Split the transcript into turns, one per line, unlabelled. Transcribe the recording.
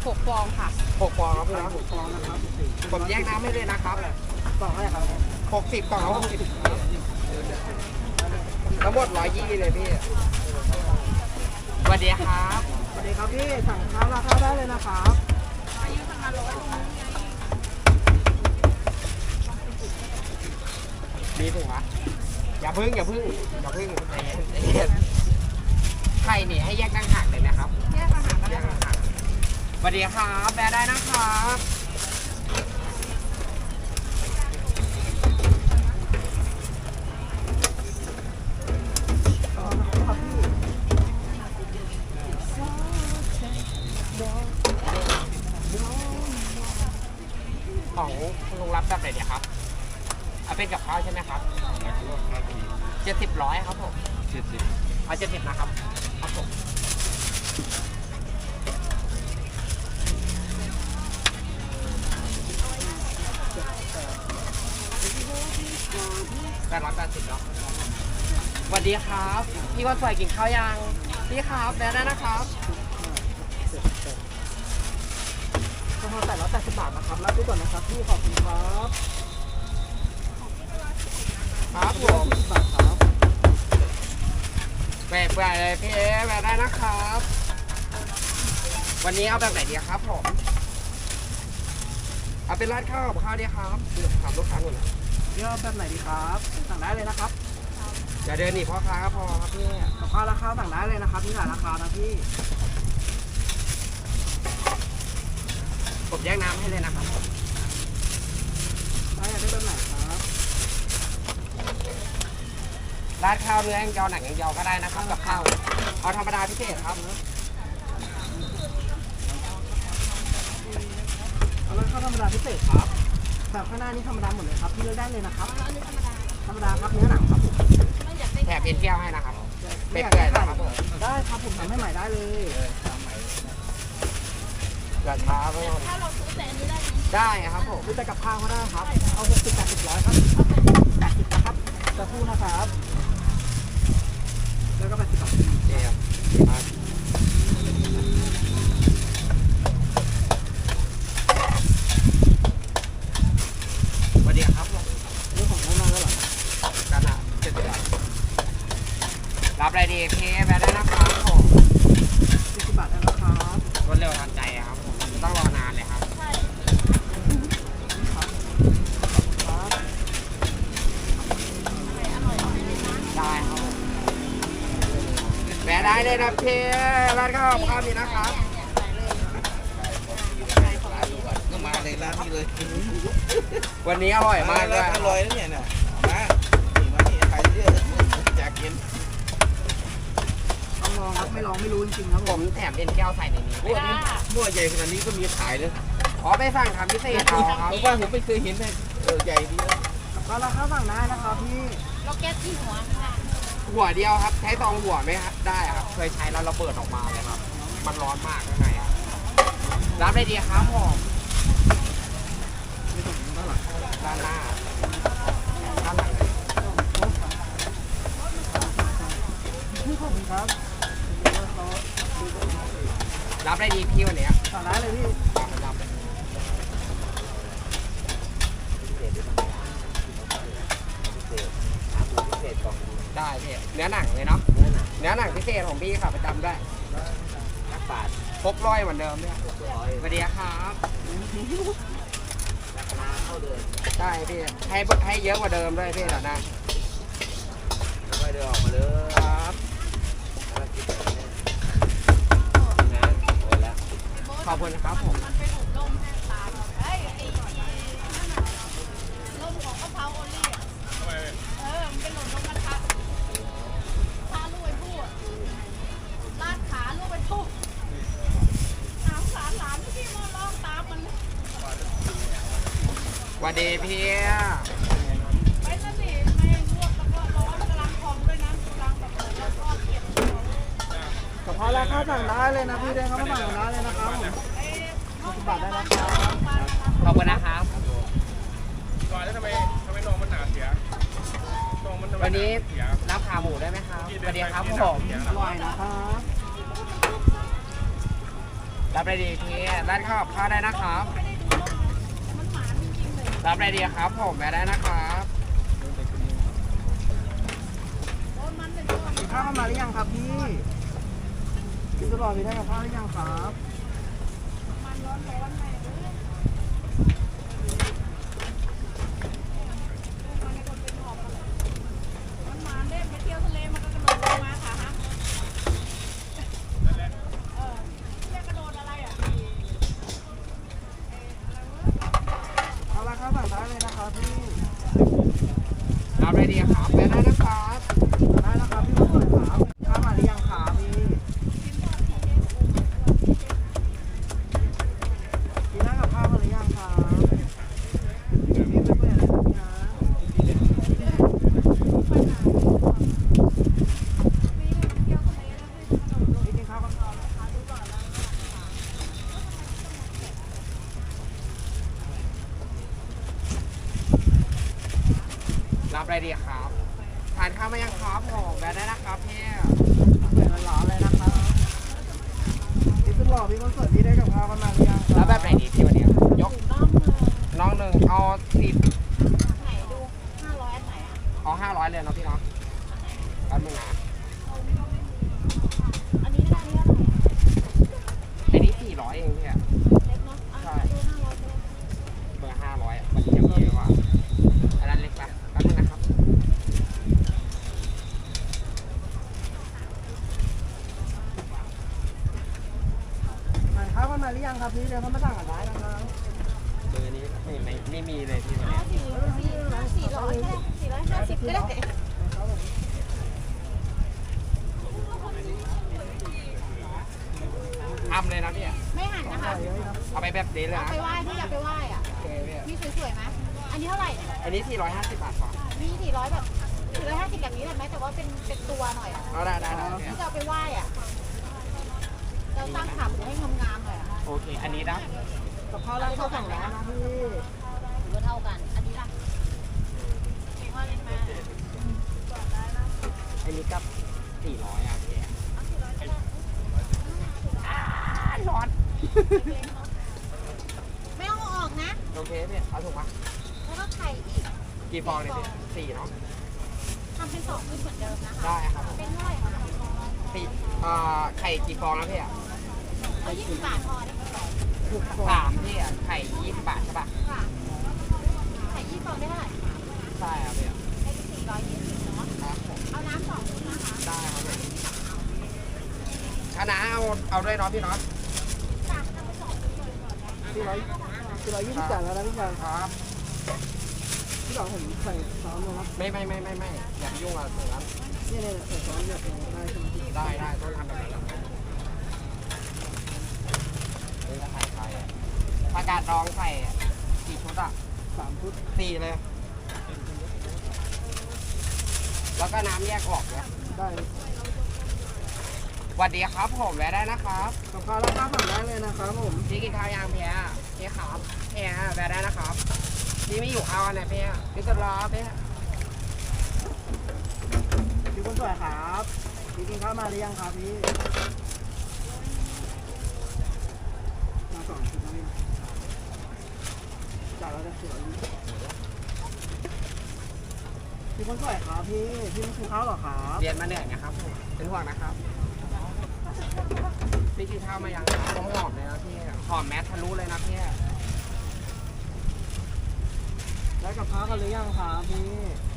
6 ฟองค่ะ
6 ฟองครับพี่นะ
6 ฟองนะครับ
ผมแยกน้ำให้เลยนะครับ
กล่องอะไรครับ
60 กล่องละ60ทั้งหมด120เลยพี่สวัสดีครับ
สวัสดีครับพี่สั่งข้าวราคาได้เลยนะครับ
มีถุงวะอย่าพึ่งใจเย็นไข่นี่ให้แยกตั้งหากเลยนะครับ
แยกอาหารก็ได้ค่ะ
สวัสดีครับแบร์ได้นะครับของคุณลุงรับแบบไหนเนี่ยครับเอาเป็นกับข้าวใช่ไหมครับ70 100ครับผมเอา70นะครับครับผม880เนาะสวัสดีครับพี่วันสวยกินข้าวยังพี่ครับแบร์ได้นะครับ
กะเพรา880 บาทนะครับรับดูก่อนนะครับพี่ขอบคุณครับ
ครับผม
40 บาทครับ
แบกไปเลยพี่แบร์ได้นะครับ วันนี้เอาแบบไหนดีครับผมเอาเป็นราดข้าวกับข้าวดีครับถามลูกค้าก่อนนะ
เลือกแบบไหนดีครับสั่งได้เลยนะครับ
อย่าเดินหนีพ่อค้าก็พอครับพี่
กับข้าวราคาสั่งได้เลยนะครับมีหลายราคานะพี่
ผมแยกน้ำให้เลยนะครับ
ได้อยากได้แบบไหนครับ
ราดข้าวเนื้อแองเจียวหนังแองเจียวก็ได้นะครับกับข้าวเอาธรรมดาพิเศษครับ
เอาราคาธรรมดาพิเศษครับแบบข้างหน้านี่ธรรมดาหมดเลยครับพี่เลือกได้เลยนะครับธรรมดาครับเนื้อหนังครับผม
แถมเป็นแก้วให้นะครับ
ไม่
เป็ด
อยาก
เปื่
ได้
อยนะครับผม
ได้ครับผมทำให้ใหม่ได้เลย
อย่าช้าไปหมด
ถ้าเราซื้อแต่อันนี้ได้ไหม
ได้ครับผม
ซื้อแต่กับข้าวก็ได้ครับเอา60 80 100ครับ80นะครับจะพูดนะครับแล้วก็80 บาท
เดี๋ยวสวัสดีครับผม
เรื่องของน้ำมันแล้วเหรอ
กันอ่ะรับอะไรดีพี่แบร์ได้นะครับผม
40 บาทได้แล้วครับ
รวดเร็วทันใจครับผมไม่ต้องรอนานเลยครับ
ครับ
ได้ครับผมแบร์ได้เลยนะพี่ร้านข้าวข้าวมีนะครับ
ก็มาในร้านนี้เลย
วันนี้อร่อยมากเลย
อร่อยนะเนี่ยนะมานี่ใครเยอะอยากกิน
ต้องลองครับไม่ลองไม่รู้จริงๆครับ
ผมแถมเอ็นแก้วใส่ในนี้
พวกนี้พวกใหญ่ขนาดนี้ก็มีขายเลย
ขอไปสั่งทำพิเศษเอาครับ
ผมว่าผมไม่เคยเห็นเลยใหญ่ดีนะ
ก็ราคาสั่งได้นะครับพี่
เราแก๊สที่หัวค่ะ
หัวเดียวครับ ใช้ตองหัวไหมครับได้ครับ เคยใช้แล้วระเบิดออกมาเลยครับ มันร้อนมากข้างในครับรับได้ดีครับผม
ไม่ต้องเท่าไหร่
ด้านหน้าด้านหลังเลย
พี่ขอบคุณครับ
รับได้ดีพี่วันเนี้ย
สั่งได้เลยพี่
รับเลยได้พี่เนื้อหนังเลยเนาะเนื้อหนังพิเศษของพี่ค่ะประจำด้วย
นักบาท
ครบร้อยเหมือนเดิมเนี่ยสวัสดีครับ
ราคาเท่าเดิม
ได้พี่ให้เยอะกว่าเดิมด้วยพี่เดี๋ยวนะ
แล้วก็เดินออกมาเลย
ครับ
แล้วกินนะโอ้แล้ว
ขอบคุณครับผม
มันเป็นอบรมให้ตาเราเฮ้ยไอ้ร่มของกะเพราโอลี่อ่ะมันเป็นหล่นลงกระทะพาลูกไปพูดลาดขาลูกไปพูดถามหลานที่มาร้องตามมัน
สวัสดีพี่
ไปนั่นสิไม่ลวกแล้วก็ร้อนกำลังพองด้วยนะกำลังแบบแล้วก็เก็บ
กับข้าวราคาสั่งได้เลยนะพี่เดินเข้ามาสั่งได้เลยนะครับผม60 บาทได้นะครับ
ขอบคุณนะครับ
ก่อนแล้วทำไมนมมันหนาเสียนมมันทำไม
วันนี้
เสีย
รับขาหมูได้ไหมครับสวัสดีครับผม
อร่อยนะครับ
รรับอะไรดีพี่ร้านข้าวกับข้าวได้นะครับ
ไม่ได้ดูแล้วมันหมาจริงๆเลย
รับอะไรดีครับผมแวะได้นะครับ
โดนมันเลยโดน
กินข้าวกันมาหรือยังครับพี่พี่สุดหล่อมีได้กับข้าวหรือยังครับ
มันร้อนๆแม่เลยมันให้คนเป็นหอบกันเลยมันหมาเด้ไปเที่ยวทะเลมันก็กระโดดลงมาค่ะฮะเรียกกระโดดอะไรอ่ะ
เอาละครับสั่งได้เลยนะครับพี่
รับอะไรดีครับแวะได้นะครับ
ได้นะครับพี่สุดหล่อครับข้าวมาหรือยังครับพี่กินได้กับข้าวกันหรือยังครับพี่ไม่เปิดอะไรนะพี่กินข้าวกันก่อนนะคะดูก่อนแล้ว
รับอะไรดีครับทานข้าวมายังครับผมแวะได้นะครับพี่
เปิดร้อนๆเลยนะครับพี่สุดหล่อพี่คนสวยพี่ได้กับข้าวกันมาหรือยังค
แล้
รั
วแบบไหนดีพี่วันนี้ยก
น้องเลย
น้องหนึ่งเอาสิบ
ไหนดู500อันไหนอ่ะ
เอา500เลยเนาะพี่เนาะแป๊บนึงนะ
อันนี้ได้อันนี้เท่าไหร่
อันนี้400เองพี่อะ
เล็กเนาะอ่ะดู500เลย
เบอร์500อะวันนี้ยังมีเลยว่ะอันนั้นเล็กปะแป๊บนึงนะครับ
สั่งข้าวกันมาหรือยังครับพี่เดี๋ยวเขามาสั่งกันได้นะครับ
เบอร์นี้ไม่มีเลยพี่วัน
เอา
นี้
400ก็ได้450ก็ได้
ทำเลยนะพี่อะ
ไม่หันนะคะ
เอาไปแบบนี้เลย
เอา
นะ
ไปไหว้พี่อยากไปไหว้อ่ะ
โอเคพี่
มีสวยๆไหมอันนี้เท่าไหร่
อันนี้450 บาทก่อน
มี400แบบ450แบบนี้ได้ไหมแต่ว่าเป็นตัวหน่อยอ่ะ
เอาได้พี่
ที่จะเอาไปไหว้อ่ะเราตั้งขาหมูให้งามๆหน่อยอ่ะ
โอเค อันนี้นะ
กับข้าวร้านข้าวสั่งร้านนะพี่
ถือว่าเท่ากัน อันนี้ล่ะว่าเล็กมาก
อันนี้กับ400อ่ะพี่ร้อน
ไม่ต้องเอาออกนะ
โอเคพี่เอาถูกปะ
แล้วก็ไข่อีก
กี่ฟองเนี่ยพี่4เนาะ
ทำเป็น2ขึ้นเหมือนเดิมนะคะ
ได้ครับ
เป็นเท่าไหร่คะ
ไข่กี่ฟองนะพี่อ่ะ
เอา20 บาทพอได้ไหม
ถูกกว่า
3พี่อ่ะไข่20 บาทใช่ปะ
ค่ะไข่20ฟองได้เท่าไหร่คะ
ใช่ครับพี่
ได้420เนาะ
ครับผม
เอาน้ำ2ชุดนะคะ
ได้ครับพี่คณะเอาด้วยเนาะพี่เนาะ
สั่งทำไป2ชุดเลยก่อนได้
420จ่ายแล้วนะพี่ชาย
ครับ
พี่หลองผมใส่ซอสลงนะ
ไม่อย่าไปยุ่งกับตรงนั้น
นี่เนี่ยใส่ซอสแบบนี้ได้ใช่ไหมพี่
ได้ต้องทำแบบนั้นนี่ก็ไข่ผักกาดดองใส่กี่ชุดอ่ะ
3 ชุด
4เลย แล้วก็น้ำแยกออกเนี่ย
ได้
สวัสดีครับผมแวะได้นะครับ
กับข้าวร้านข้าวสั่งได้เลยนะครับผม
พี่กินข้าวยางเพียพี่ครับเพียแวะได้นะครับพี่ไม่อยู่ข้าวอันไหนเพียพี่จะรอเพีย
พี่คนสวยครับพี่กินข้าวมาหรือยังครับพี่มา2 ชุดนะพี่จ่ายแล้วจะเสียพี่คนสวยครับพี่ไม่กินข้าวหรอครับ
เรียนมาเหนื่อยนะครับผมเป็นห่วงนะครับพี่กินข้าวมายังครับต้องหอมเลยนะพี่หอมแมสทะลุเลยนะพี่
ได้กับข้าวกันหรือยังครับพี่